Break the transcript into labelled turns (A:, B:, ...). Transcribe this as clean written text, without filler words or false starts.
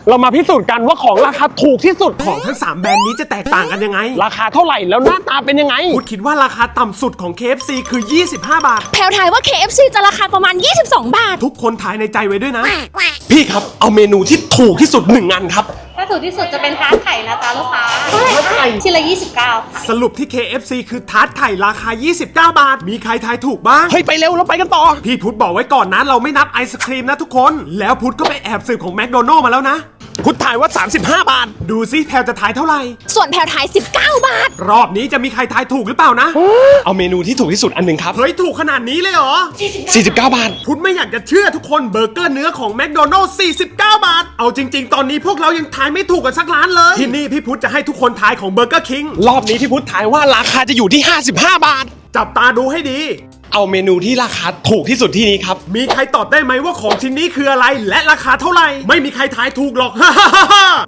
A: เรามาพิสูจน์กันว่าของราคาถูกที่สุด
B: ของทั้ง3แบรนด์นี้จะแตกต่างกันยังไง
A: ราคาเท่าไหร่แล้วหน้าตาเป็นยังไง
B: พุทธคิดว่าราคาต่ำสุดของ KFC คือ25 บาท
C: แพลวทายว่า KFC จะราคาประมาณ22 บาท
B: ทุกคนทายในใจไว้ด้วยนะ
A: พี่ครับเอาเมนูที่ถูกที่สุด1อันครับ
D: ถ้าถูกที่สุดจะเป็นทาร์ตไข่นะจ๊ะลูกค้าชิ้นละ29ค่ะ
B: สรุปที่ KFC คือทาร์ตไข่ราคา29 บาทมีใครทายถูกบ้าง
A: เฮ้ยไปเร็วเราไปกันต่อ
B: พี่พุทธบอกไว้ก่อนนะเราไม่นับไอศครีมนะทุกคนแล้วพุทธก็ไปแอบสืบของแมคโดนัลด์มาแล้วนะ
A: พุทธถ่ายว่า35 บาท
B: ดูซิแพลจะทายเท่าไหร่
C: ส่วนแพลวทาย19 บาท
B: รอบนี้จะมีใครทายถูกหรือเปล่านะ
A: เอาเมนูที่ถูกที่สุดอันหนึ่งครับ
B: เฮ้ยถูกขนาดนี้เลยเหรอ
A: 49 บาท
B: พุทธไม่อยากจะเชื่อทุกคนเบอร์เกอร์เนื้อของแมคโดนัลด์49 บาทเอาจริงๆตอนนี้พวกเรายังทายไม่ถูกกันสักร้านเลยที่นี่พี่พุทธจะให้ทุกคนทายของเบอร์เกอร์คิง
A: รอบนี้พี่พุทธถ่ายว่าราคาจะอยู่ที่55 บาท
B: จับตาดูให้ดี
A: เอาเมนูที่ราคาถูกที่สุดที่นี้ครับ
B: มีใครตอบได้ไหมว่าของชิ้นนี้คืออะไรและราคาเท่าไหร่ไม่มีใครทายถูกหรอก